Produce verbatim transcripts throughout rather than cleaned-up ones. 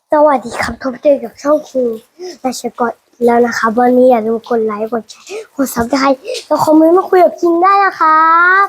สวัสดีครับพบเจอกับช่องคิงราชกรแล้วนะคะวันนี้อย่าลืมกดไลค์กดแชร์กดซับสไครต์แล้วคอมเมนต์มาคุยกับคิงได้นะครับ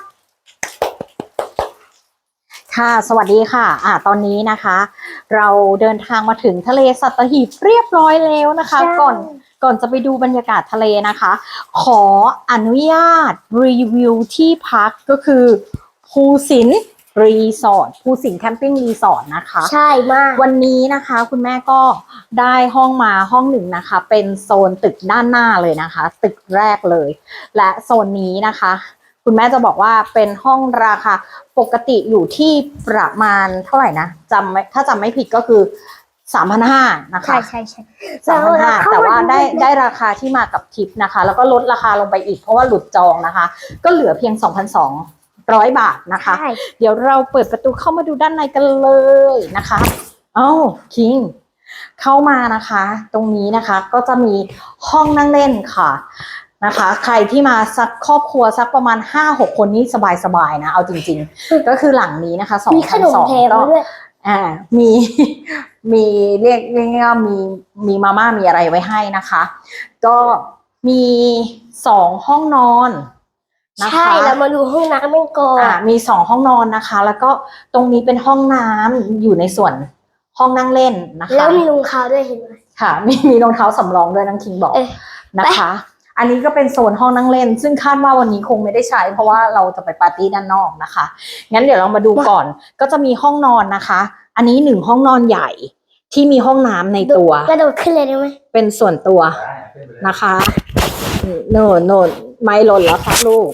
ค่ะสวัสดีค่ะอ่าตอนนี้นะคะ เราเดินทางมาถึงทะเลสัตหีบเรียบร้อยแล้วนะคะก่อนก่อนจะไปดูบรรยากาศทะเลนะคะ ขออนุญาตรีวิวที่พักก็คือภูสินรีสอร์ทภูสินแคมปิ้งรีสอร์ทนะคะใช่มากวันนี้นะคะคุณแม่ก็ได้ห้องมาห้องหนึ่งนะคะเป็นโซนตึกด้านหน้าเลยนะคะตึกแรกเลยและโซนนี้นะคะคุณแม่จะบอกว่าเป็นห้องราคาปกติอยู่ที่ประมาณเท่าไหร่นะจำถ้าจำไม่ผิดก็คือสามพันห้านะคะใช่ใช่ใช่สามพันห้าแต่ว่าได้ได้ราคาที่มากับทิปนะคะแล้วก็ลดราคาลงไปอีกเพราะว่าหลุดจองนะคะก็เหลือเพียง สองพันสองร้อย บาทนะคะเดี๋ยวเราเปิดประตูเข้ามาดูด้านในกันเลยนะคะอ้าวคิงเข้ามานะคะตรงนี้นะคะก็จะมีห้องนั่งเล่นค่ะนะคะใครที่มาสักครอบครัวสักประมาณ ห้าหก คนนี่สบายๆนะเอาจริงๆก็คือหลังนี้นะคะสองพันสองก็อ่ามีมีเรียกเรียกว่ามีมีมาม่ามีอะไรไว้ให้นะคะก็มีสองห้องนอนใช่แล้วมาดูห้องน้ำกันก่อนอ่ามีสองห้องนอนนะคะแล้วก็ตรงนี้เป็นห้องน้ำอยู่ในส่วนห้องนั่งเล่นนะคะแล้วมีรองเท้าด้วยเห็นไหมค่ะมีมีรองเท้าสำรองด้วยน้องคิงบอกนะคะอันนี้ก็เป็นโซนห้องนั่งเล่นซึ่งคาดว่าวันนี้คงไม่ได้ใช้เพราะว่าเราจะไปปาร์ตี้ด้านนอกนะคะงั้นเดี๋ยวเรามาดูก่อนก็จะมีห้องนอนนะคะอันนี้หนึ่งห้องนอนใหญ่ที่มีห้องน้ำในตัวกระโดดขึ้นเลยได้ไหมเป็นส่วนตัวนะคะโน่นโน่นไม่หล่นแล้วครับลูก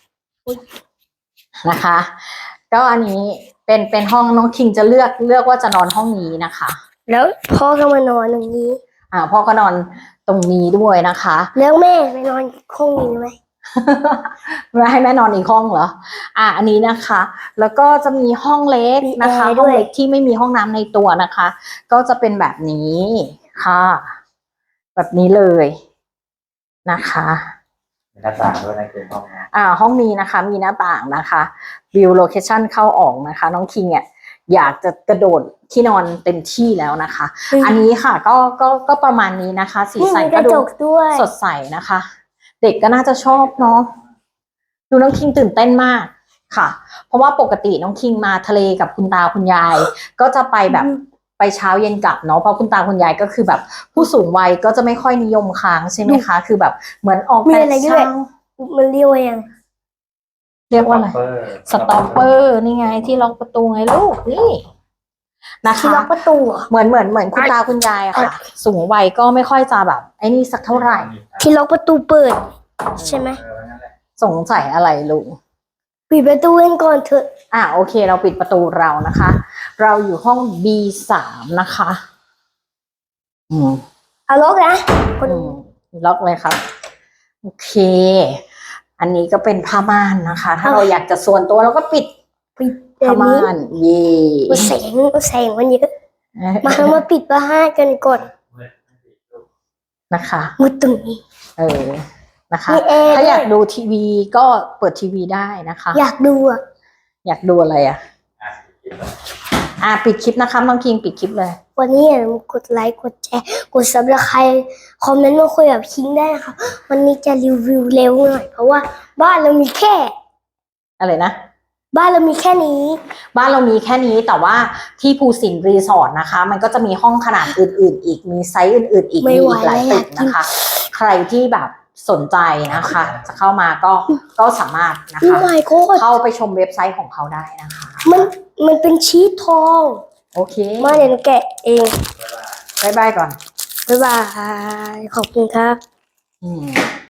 นะคะก็อันนี้เป็นเป็นห้องน้องคิงจะเลือกเลือกว่าจะนอนห้องนี้นะคะแล้วพ่อก็มานอนตรงนี้อ่าพ่อก็นอนตรงนี้ด้วยนะคะแล้วแม่ไปนอนห้องนี้ไหมไม่ให้แม่นอนอีกห้องเหรออ่าอันนี้นะคะแล้วก็จะมีห้องเล็กนะคะห้องเล็กที่ไม่มีห้องน้ำในตัวนะคะก็จะเป็นแบบนี้ค่ะแบบนี้เลยนะคะมีหน้าต่างด้วยนะคือห้องอ่าห้องนี้นะคะมีหน้าต่างนะคะวิวโลเคชั่นเข้าออกนะคะน้องคิงเนี่ยอยากจะกระโดดที่นอนเต็มที่แล้วนะคะอันนี้ค่ะก็ก็ก็ประมาณนี้นะคะสีสันก็ดูสดใสนะคะเด็กก็น่าจะชอบเนาะดูน้องคิงตื่นเต้นมากค่ะเพราะว่าปกติน้องคิงมาทะเลกับคุณตาคุณยายก็จะไปแบบไปเช้าเย็นกลับเนาะเพราะคุณตาคุณยายก็คือแบบผู้สูงวัยก็จะไม่ค่อยนิยมค้างใช่ไหมคะคือแบบเหมือนออกแต่เช้ามันเรียกว่ายังเรียกว่าอะไรสต็อปเปอร์นี่ไงที่ล็อกประตูไงลูกนี่นะคะล็อกประตูเหมือนเหมือนเหมือนคุณตาคุณยายอะค่ะสูงวัยก็ไม่ค่อยจะแบบไอ้นี่สักเท่าไหร่ที่ล็อกประตูเปิดใช่ไหมสงสัยอะไรลูกปิดประตูเองก่อนเถอะอ่ะโอเคเราปิดประตูเรานะคะเราอยู่ห้อง บี สาม นะคะอืมเอาล็อกนะคนล็อกเลยครับโอเคอันนี้ก็เป็นผ้าม่านนะคะถ้าเราอยากจะส่วนตัวเราก็ปิดปิดผ้าม่านเย่แสงแสงมันเยอะมามาปิดผ้าม่านกันก่อนนะคะมุดตรงนี้เออนะคะถ้าอยากดูทีวีก็เปิดทีวีได้นะคะอยากดูอ่ะอยากดูอะไรอ่ะอ่าปิดคลิปนะคะน้องคิงปิดคลิปเลยวันนี้อย่าลืมกดไลค์กดแชร์กดซับสไครต์คอมเมนต์มาคุยกับคิงได้นะคะวันนี้จะรีวิวเร็วหน่อยเพราะว่าบ้านเรามีแค่อะไรนะบ้านเรามีแค่นี้บ้านเรามีแค่นี้แต่ว่าที่ภูสินรีสอร์ทนะคะมันก็จะมีห้องขนาดอื่นๆอีกมีไซส์อื่นๆอีกมีอีกหลายตึกนะคะใครที่แบบสนใจนะคะจะเข้ามาก็ก็สามารถนะคะเข้าไปชมเว็บไซต์ของเขาได้นะคะมันมันเป็นชีสทองโอเคมาเดี๋ยวแกะเองบ๊ายบายก่อนบ๊ายบายขอบคุณครับอืม